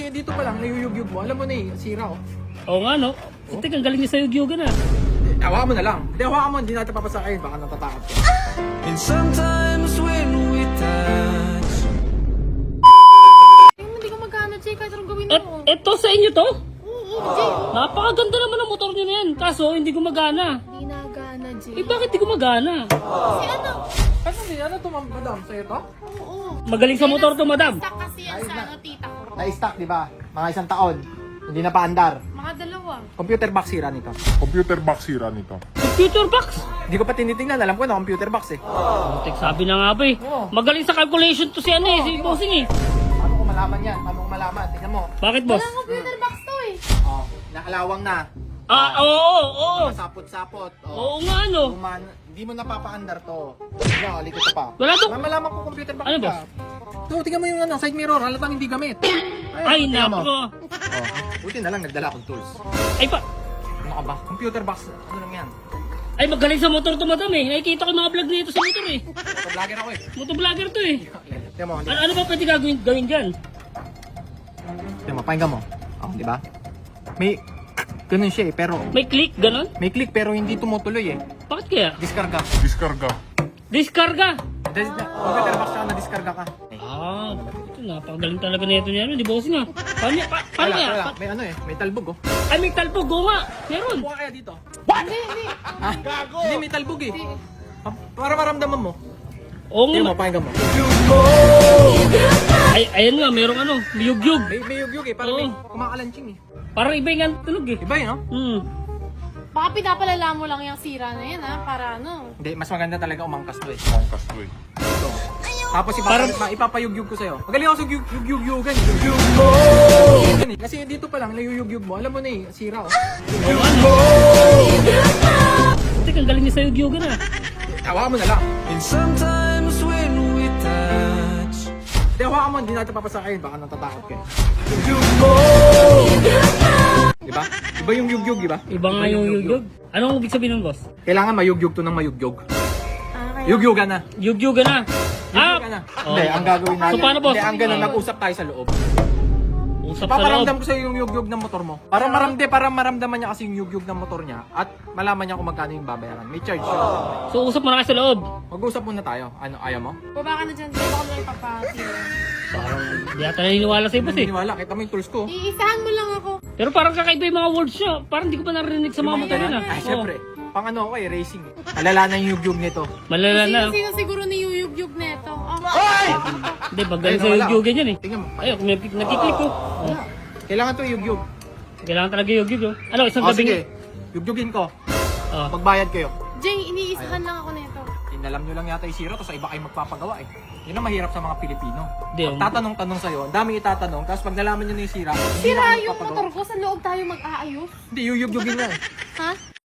dito pa lang, nayuyugyug mo. Alam mo na eh, sira oh. Oo nga, no? Tek, ang galing niya sa yugyugan ah. Hawakan mo na lang. Hindi, hawakan mo, hindi natin papasakayin. Baka natatakot ka. And sometimes when we touch, Hindi ko magkano, Jay. Kahit anong gawin mo. Eto sa inyo to? Oo, Jay. Napakaganda naman ang motor niyo na yan. Kaso, hindi gumagana. Hindi nagana, Jay. Eh, bakit di gumagana? Kasi ano? Ano to, madam? Sa'yo to? Oo. Magaling sa motor to, madam. Stuck kasi yan sa ano, tita ko. Na-stock, di ba? Mga isang taon. Hindi na paandar. Mga dalawa. Computer box sira nito. Computer box sira nito. Computer box. Hindi ko pa tinitingnan. Alam ko na computer box eh. Tek, sabi na nga ba eh. Oo. Magaling sa calculation to si ano eh, si Bossing eh. Paano ko malaman yan? Paano ko malaman? Tingnan mo. Bakit, boss? Walang computer box to eh. Oh, nakalawang na. Oo. Sapot-sapot. Oo nga, ano. Hindi mo napapaandar to. Tingnan, likod ko pa. Wala to. Malaman ko computer box Ano, ka. boss? So, tingnan mo yung ano, side mirror. Halatang hindi gamit. Ay, tingnan mo. nako. Oh, buti na lang nagdala akong tools. Ay, Ano ka ba? Computer box. Ano lang yan? ay magaling sa motor to, madam eh. Nakikita ko yung mga vlog nito sa motor eh. Vlogger ako eh. Motovlogger to eh. Tingnan mo, Ano ba pwede gawin dyan? tingnan mo, pakinggan mo. Oh, di ba? May, ganun siya eh, pero, May click, ganon? may click pero hindi tumutuloy eh. Bakit kaya? Diskarga. Diskarga. Diskarga! Computer box siya na diskarga ka. Ah, ito napakagaling talaga na ito niya. Di bossing ah. Paano Wala, kaya? wala. May ano eh, may talbog oh. Ay, may talpog. Oo nga. Meron. Kuha kaya dito? Hindi. Ah, hindi, may talbog eh. Para maramdaman mo. Oo Tingnan mo, nga. pakinggan mo. Ay, ayan nga. Merong ano. Yugyug. May yugyug eh, parang Oo. may kumakalanching eh. Parang iba yung tunog eh. Iba yun, no? Baka pinapalala mo lang yung sira na yan ha. Para ano. Hindi, mas maganda talaga umangkas to eh. Pangkas to eh. Ito. Tapos ipapayugyug ko sa'yo. Magaling ako sa yugyugan. Kasi dito pa lang, nayuyugyug mo. Alam mo na eh, sira oh. Oo ano. Tek, ang galing niya sa yugyugan ah. Hawakan mo na lang. and sometimes when we touch, Hindi, hawakan mo, hindi natin papasakayin. Baka natatakot ka eh. Diba? Iba yung yugyug, diba? Iba nga yung yugyug. Anong ibig sabihin ng boss? Kailangan mayugyug to ng mayugyug. Kaya. Yugyugan na. Yugyugan na. Yugyugan na. Oo. Hindi, ang gagawin natin. So, paano, boss? Hindi, ang ganun, nag-usap tayo sa loob. Usap sa loob. Paparamdam ko sa'yo yung yugyug ng motor mo. Para maramdaman niya kasi yung yugyug ng motor niya at malaman niya kung magkano yung babayaran. May charge siya. So, usap mo na kayo sa loob. Mag-usap muna tayo. Ano, ayaw mo? Baba ka na dyan, Jay. Baka mo lang ipapatira. Parang di ata naniniwala sa'yo boss eh. Naniniwala, kita mo yung tools ko. Iisahan mo lang ako. Pero parang kakaiba yung mga words niya. Parang di ko pa narinig sa mga motor yun ah. Ay, Oo. syempre. Pang ano ako eh, racing. Malala na yung yugyug nito. Malala na. Sino siguro niyuyugyug neto? Hindi, pag galing Ayun, sa wala. yugyugan yan eh. Tingnan mo. Ay, nagkiklik ko. Oh. Kailangan to yugyug. Kailangan talaga yugyug oh. Ano, isang O gabi sige, yugyugin ko. Oh. Magbayad kayo. Jay, iniisahan lang ako neto. Inalam nyo lang yata yung zero, tapos iba kayo magpapagawa eh. Yun ang mahirap sa mga Pilipino. Hindi, Tatanong-tanong sa'yo, ang daming itatanong, tapos pag nalaman nyo na yung sira, hindi Sira na kayo yung magpapagawa. motor ko. Sa loob tayo mag-aayos. Hindi, yuyugyugin na eh. Ha?